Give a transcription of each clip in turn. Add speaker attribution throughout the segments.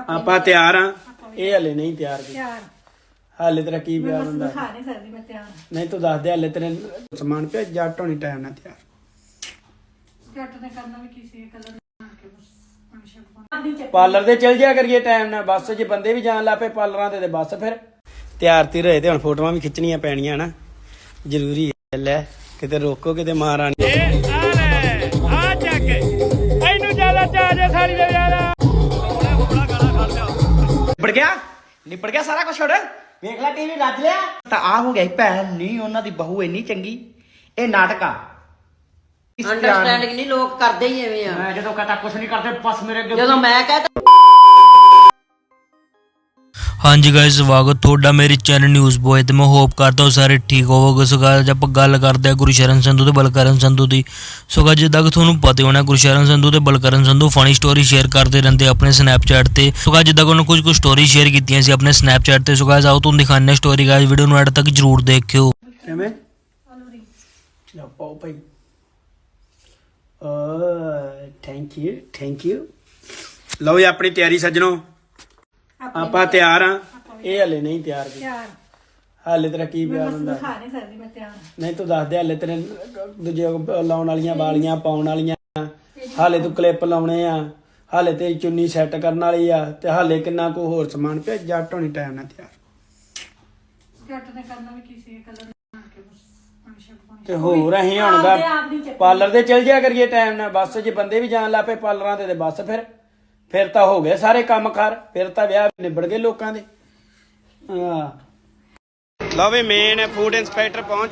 Speaker 1: ਆਪਾਂ ਤਿਆਰ ਆ। ਇਹ ਹਲੇ ਨਹੀਂ ਤਿਆਰ ਕੀ ਹਾਲੇ ਤੇਰਾ ਕੀ ਪਿਆਰ ਹੁੰਦਾ ਨਹੀਂ ਤੂੰ ਦੱਸ ਦੇ ਹਲੇ ਤੇਰੇ ਸਮਾਨ ਪਿਆ ਜੱਟ ਹੋਣੀ ਟਾਈਮ ਨਾਲ ਤਿਆਰ ਪਾਰਲਰ ਦੇ ਚਲ ਜਿਆ ਕਰੀਏ ਟਾਈਮ ਨਾਲ ਬਸ ਜੇ ਬੰਦੇ ਵੀ ਜਾਣ ਲੱਪੇ ਪਾਰਲਰਾਂ ਤੇ ਬਸ ਫਿਰ ਤਿਆਰ ਤੀ ਰਹੇ ਤੇ ਹੁਣ ਫੋਟੋਆਂ ਵੀ ਖਿੱਚਣੀਆਂ ਪੈਣੀਆਂ ਨਾ ਜ਼ਰੂਰੀ ਹੈ ਲੈ ਕਿਤੇ ਰੋਕੋ ਕਿਤੇ ਮਹਾਰਾਣੀ ਆ ਚੱਕ ਇਹਨੂੰ ਜ਼ਿਆਦਾ ਚਾਹ ਸਾਰੀ ਦੇ ਜ਼ਿਆਦਾ ਨਿਬੜ ਗਿਆ ਸਾਰਾ ਕੁਝ ਛੋੜ ਵੇਖ ਲੈ ਟੀਵੀ ਰੱਜ ਲਿਆ ਤਾਂ ਆ ਹੋ ਗਿਆ ਭੈਣ ਨਹੀਂ ਉਹਨਾਂ ਦੀ ਬਹੂ ਇੰਨੀ ਚੰਗੀ ਇਹ ਨਾਟਕ ਆ
Speaker 2: ਅੰਡਰਸਟੈਂਡਿੰਗ ਨਹੀਂ ਲੋਕ ਕਰਦੇ ਹੀ ਐਵੇਂ ਆ
Speaker 1: ਮੈਂ ਜਦੋਂ ਕਹਤਾ ਕੁਝ ਨਹੀਂ ਕਰਦੇ ਬਸ ਮੇਰੇ ਅੱਗੇ
Speaker 2: ਜਦੋਂ ਮੈਂ ਕਹਤਾ
Speaker 3: ਹਾਂਜੀ गाइस स्वागत ਤੁਹਾਡਾ ਮੇਰੇ ਚੈਨਲ ਨਿਊਜ਼ ਬੋਏ ਤੇ ਮੈਂ ਹੋਪ ਕਰਦਾ ਹਾਂ ਸਾਰੇ ਠੀਕ ਹੋਵੋਗੇ। ਸੋ गाइस ਆਪਾਂ ਗੱਲ ਕਰਦੇ ਹਾਂ ਗੁਰਸ਼ਰਨ ਸੰਧੂ ਤੇ ਬਲਕਰਨ ਸੰਧੂ ਦੀ। ਸੋ गाइस ਜਿੱਦਾਂ ਕਿ ਤੁਹਾਨੂੰ ਪਤਾ ਹੋਣਾ ਗੁਰਸ਼ਰਨ ਸੰਧੂ ਤੇ Balkaran Sandhu funny story share ਕਰਦੇ ਰਹਿੰਦੇ ਆਪਣੇ ਸਨੈਪਚੈਟ ਤੇ। ਸੋ गाइस ਜਿੱਦਾਂ ਕਿ ਉਹਨਾਂ ਕੁਝ ਸਟੋਰੀ ਸ਼ੇਅਰ ਕੀਤੀਆਂ ਸੀ ਆਪਣੇ ਸਨੈਪਚੈਟ ਤੇ। ਸੋ गाइस ਆਓ ਤੁਹਾਨੂੰ ਦਿਖਾਉਂਦੇ ਹਾਂ ਸਟੋਰੀ। गाइस ਵੀਡੀਓ ਨੂੰ ਐਡ ਤੱਕ ਜਰੂਰ ਦੇਖਿਓ।
Speaker 1: ਕਿਵੇਂ ਲਓ ਪਾਓ ਭਾਈ ਥੈਂਕ ਯੂ ਲਓ ਜੀ ਆਪਣੀ ਤਿਆਰੀ ਸੱਜਣੋ ਆਪਾਂ ਤਿਆਰ ਆ। ਇਹ ਹਲੇ ਨਹੀਂ ਤਿਆਰ ਕੀ ਹਾਲੇ ਤੇਰਾ ਕੀ ਪਿਆਰ ਹੁੰਦਾ ਨਹੀਂ ਤੂੰ ਦੱਸ ਦੇ ਹਲੇ ਤੇਰੇ ਦੂਜੇ ਲਾਉਣ ਵਾਲੀਆਂ ਵਾਲੀਆਂ ਪਾਉਣ ਵਾਲੀਆਂ ਹਾਲੇ ਤੂੰ ਕਲਿੱਪ ਲਾਉਣੇ ਆ ਹਾਲੇ ਤੇਰੀ ਚੁੰਨੀ ਸੈੱਟ ਕਰਨ ਵਾਲੀ ਆ ਤੇ ਹਾਲੇ ਕਿੰਨਾ ਕੋ ਹੋਰ ਸਮਾਨ ਪਿਆ ਜੱਟ ਹੋਣੀ ਟਾਈਮ ਨਾਲ ਤਿਆਰ ਤੇ ਹੋਰ ਅਸੀਂ ਹੁਣ ਦਾ ਪਾਰਲਰ ਦੇ ਚਲ ਜਿਆ ਕਰੀਏ ਟਾਈਮ ਨਾਲ ਬਸ ਜੇ ਬੰਦੇ ਵੀ ਜਾਣ ਲੱਪੇ ਪਾਰਲਰਾਂ ਤੇ ਬਸ ਫਿਰ ਤਾਂ ਹੋ ਗਏ ਸਾਰੇ ਕੰਮ ਕਰ ਫਿਰ ਤਾਂ ਵਿਆਹ ਨਿਬੜ ਗਏ ਲੋਕਾਂ ਦੇ। ਲਓ ਵੀ ਮੇਨ ਫੂਡ ਇੰਸਪੈਕਟਰ ਪਹੁੰਚ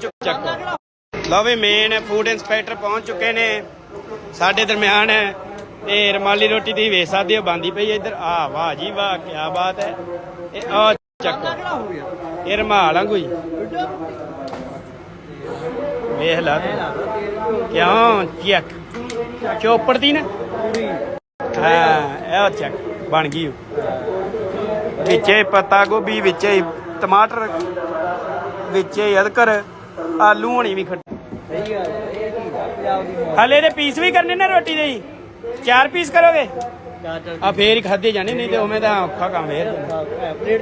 Speaker 1: ਚੁੱਕੇ ਨੇ ਸਾਡੇ ਦਰਮਿਆਨ ਤੇ ਰਮਾਲੀ ਰੋਟੀ ਦੀ ਵੇਚ ਸਕਦੇ ਹੋ ਬੰਦੀ ਪਈ ਇੱਧਰ ਆ ਵਾਹ ਜੀ ਵਾਹ ਕੀ ਬਾਤ ਹੈ ਇਹ ਆ ਚੱਕੋ ਇਹ ਰਮਾਲ ਆ ਕੋਈ ਵੇਖ ਲਾ ਕਿਉਂ ਚੈੱਕ ਚੋਪੜ ਦੀ ਨਾ ਹਾਂ ਇਹ ਚੱਕ ਬਣ ਗਈ ਵਿੱਚੇ ਪੱਤਾ ਗੋਭੀ ਵਿੱਚੇ ਟਮਾਟਰ ਵਿੱਚੇ ਅਦਰਕ ਆਲੂ ਹੋਣੀ ਵੀ ਖੱਟੀ ਹਲੇ ਦੇ ਪੀਸ ਵੀ ਕਰਨੇ ਨੇ ਰੋਟੀ ਦੇ 4 ਪੀਸ ਕਰੋਗੇ ਆ ਫੇਰ ਹੀ ਖਾਦੇ ਜਾਣੇ ਨਹੀਂ ਤੇ ਉਵੇਂ ਤਾਂ ਔਖਾ ਕੰਮ ਫੇਰ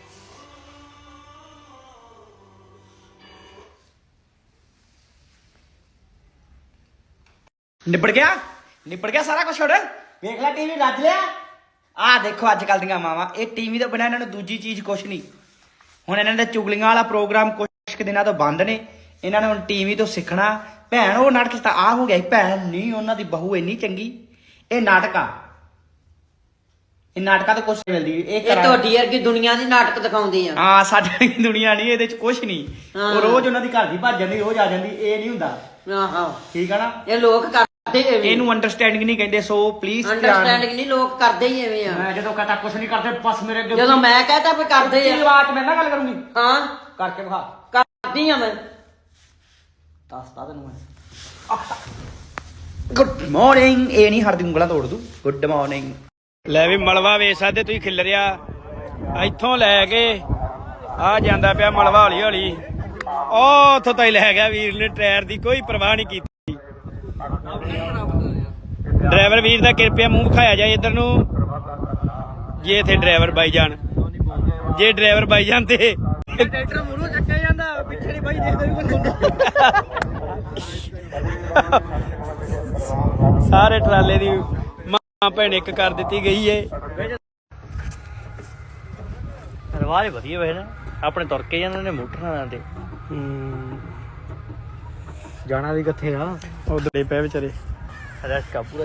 Speaker 1: ਨਿਬੜ ਗਿਆ ਸਾਰਾ ਕੁਝ ਛੋੜ ਵੇਖ ਲੈ ਟੀਵੀ ਰੱਜ ਲਿਆ ਆ ਦੇਖੋ ਅੱਜ ਕੱਲ ਦੀਆਂ ਮਾਵਾਂ ਇਹ ਟੀਵੀ ਤੋਂ ਬਿਨਾਂ ਇਹਨਾਂ ਨੂੰ ਦੂਜੀ ਚੀਜ਼ ਕੁਛ ਨਹੀਂ ਹੁਣ ਇਹਨਾਂ ਦੇ ਚੁਗਲੀਆਂ ਵਾਲਾ ਪ੍ਰੋਗਰਾਮ ਕੁਛ ਦਿਨਾਂ ਤੋਂ ਬੰਦ ਨੇ ਇਹਨਾਂ ਨੇ ਹੁਣ ਟੀਵੀ ਤੋਂ ਸਿੱਖਣਾ ਭੈਣ ਉਹ ਨਾਟਕ ਤਾਂ ਆ ਹੋ ਗਿਆ ਭੈਣ ਨਹੀਂ ਉਹਨਾਂ ਦੀ ਬਹੂ ਇੰਨੀ ਚੰਗੀ ਇਹ ਨਾਟਕ ਆ ਇਹ ਨਾਟਕਾਂ ਤੋਂ ਕੁਛ ਮਿਲਦੀ ਇਹ
Speaker 2: ਤੁਹਾਡੀ ਵਰਗੀ ਦੁਨੀਆ ਦੀ ਨਾਟਕ ਦਿਖਾਉਂਦੇ ਆ
Speaker 1: ਹਾਂ ਸਾਡੀ ਦੁਨੀਆ ਨਹੀਂ ਇਹਦੇ ਚ ਕੁਛ ਨਹੀਂ ਉਹ ਰੋਜ਼ ਉਹਨਾਂ ਦੀ ਘਰ ਦੀ ਭੱਜ ਜਾਂਦੀ ਰੋਜ਼ ਆ ਜਾਂਦੀ ਇਹ ਨਹੀਂ ਹੁੰਦਾ
Speaker 2: ਆਹੋ
Speaker 1: ਠੀਕ ਆ ਨਾ
Speaker 2: ਇਹ ਲੋਕ ਕਰਦੇ
Speaker 1: ਇਹਨੂੰ ਅੰਡਰਸਟੈਂਡਿੰਗ ਨਹੀਂ ਕਹਿੰਦੇ ਸੋ ਪਲੀਜ਼
Speaker 2: ਅੰਡਰਸਟੈਂਡਿੰਗ ਨਹੀਂ ਲੋਕ ਕਰਦੇ ਹੀ ਐਵੇਂ ਆ
Speaker 1: ਮੈਂ ਜਦੋਂ ਕਹਤਾ ਕੁਛ ਨਹੀਂ ਕਰਦੇ ਬਸ ਮੇਰੇ ਅੱਗੇ
Speaker 2: ਜਦੋਂ ਮੈਂ ਕਹਤਾ ਵੀ ਕਰਦੇ ਆ
Speaker 1: ਆਵਾਜ਼ ਮੈਂ ਨਾ ਗੱਲ ਕਰੂੰਗੀ
Speaker 2: ਹਾਂ
Speaker 1: ਕਰਕੇ ਵਿਖਾ
Speaker 2: ਕਰਦੀ ਆ ਮੈਂ
Speaker 1: ਦੱਸਦਾ ਤੈਨੂੰ ਮੈਂ ਗੁੱਡ ਮਾਰਨਿੰਗ ਇਹ ਨਹੀਂ ਹਰਦੀ ਉਂਗਲਾਂ ਤੋੜ ਦੂ ਗੁੱਡ ਮਾਰਨਿੰਗ ਲੈ ਵੀ ਮਲਵਾ ਵੇਚ ਸਕਦੇ ਤੁਸੀਂ ਖਿਲਰਿਆ ਇੱਥੋਂ ਲੈ ਕੇ ਆ ਜਾਂਦਾ ਪਿਆ ਮਲਵਾ ਹੌਲੀ ਹੌਲੀ ਉਹ ਉੱਥੋਂ ਤਾਈ ਲੈ ਗਿਆ ਵੀਰ ਨੇ ਟਾਇਰ ਦੀ ਕੋਈ ਪਰਵਾਹ ਨਹੀਂ ਕੀਤੀ ਡਰਾਈਵਰ ਵੀਰ ਦਾ ਕਿਰਪਿਆ ਮੂੰਹ ਵਿਖਾਇਆ ਜਾਏ ਇੱਧਰ ਨੂੰ ਜੇ ਇੱਥੇ ਡਰਾਈਵਰ ਬਾਈ ਜਾਣ ਜੇ ਡਰਾਈਵਰ ਬਾਈ ਜਾਂਦੇ ਟਰੈਕਟਰ ਮੂਹਰੋਂ ਚੱਕਿਆ ਜਾਂਦਾ ਪਿੱਛੇ ਨਹੀਂ ਬਾਈ ਦੇਖਦਾ ਵੀ ਕੋਈ ਸਾਰੇ ਟਰਾਲੇ ਦੀ ਮਾਂ ਭੈਣ ਇੱਕ ਕਰ ਦਿੱਤੀ ਗਈ ਏ
Speaker 4: ਰਵਾਜ ਵਧੀਆ ਵੇ ਨਾ ਆਪਣੇ ਤੁਰ ਕੇ ਜਾਂਦੇ ਨੇ ਮੋਟਰਾਂ ਤੇ ਜਾਣਾ ਵੀ ਕਿੱਥੇ ਆ
Speaker 1: ਉਧਰ ਪਏ ਵਿਚਾਰੇ
Speaker 4: ਰਸਕਾ ਪੂਰਾ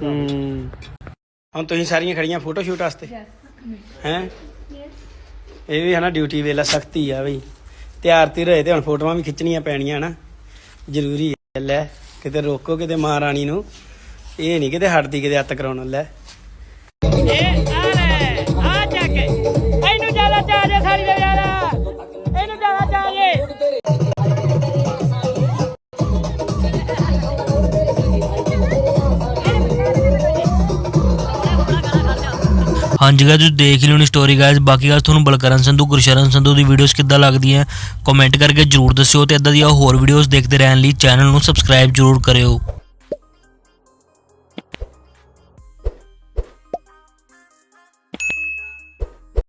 Speaker 1: ਹੁਣ ਤੁਸੀਂ ਸਾਰੀਆਂ ਖੜੀਆਂ ਫੋਟੋ ਸ਼ੂਟ ਵਾਸਤੇ ਹੈ ਇਹ ਵੀ ਹੈ ਨਾ ਡਿਊਟੀ ਵੇਲਾ ਸਖਤੀ ਆ ਬਈ ਤਿਆਰ ਤੀ ਰਹੇ ਤੇ ਹੁਣ ਫੋਟੋਆਂ ਵੀ ਖਿੱਚਣੀਆਂ ਪੈਣੀਆਂ ਨਾ ਜ਼ਰੂਰੀ ਹੈ ਲੈ ਕਿਤੇ ਰੋਕੋ ਕਿਤੇ ਮਹਾਰਾਣੀ ਨੂੰ ਇਹ ਨਹੀਂ ਕਿਤੇ ਹਟਦੀ ਕਿਤੇ ਹੱਥ ਕਰਾਉਣ ਲੈ ਆ ਚੱਕ ਇਹਨੂੰ ਜ਼ਿਆਦਾ ਚਾਹ ਸਾਰੀ ਦੇ ਜ਼ਿਆਦਾ ਇਹਨੂੰ ਜ਼ਿਆਦਾ ਚਾਹ
Speaker 3: ਹਾਂਜੀ गाइस ਤੁਸੀਂ ਦੇਖ ਲਿਓ ਨੀ ਸਟੋਰੀ गाइस ਬਾਕੀ गाइस ਤੁਹਾਨੂੰ ਬਲਕਰਨ ਸੰਧੂ ਗੁਰਸ਼ਰਨ ਸੰਧੂ ਦੀ ਵੀਡੀਓਜ਼ ਕਿੱਦਾਂ ਲੱਗਦੀਆਂ ਕਮੈਂਟ ਕਰਕੇ ਜਰੂਰ ਦੱਸਿਓ ਤੇ ਇਦਾਂ ਦੀਆਂ ਹੋਰ ਵੀਡੀਓਜ਼ ਦੇਖਦੇ ਰਹਿਣ ਲਈ ਚੈਨਲ ਨੂੰ ਸਬਸਕ੍ਰਾਈਬ ਜਰੂਰ ਕਰਿਓ।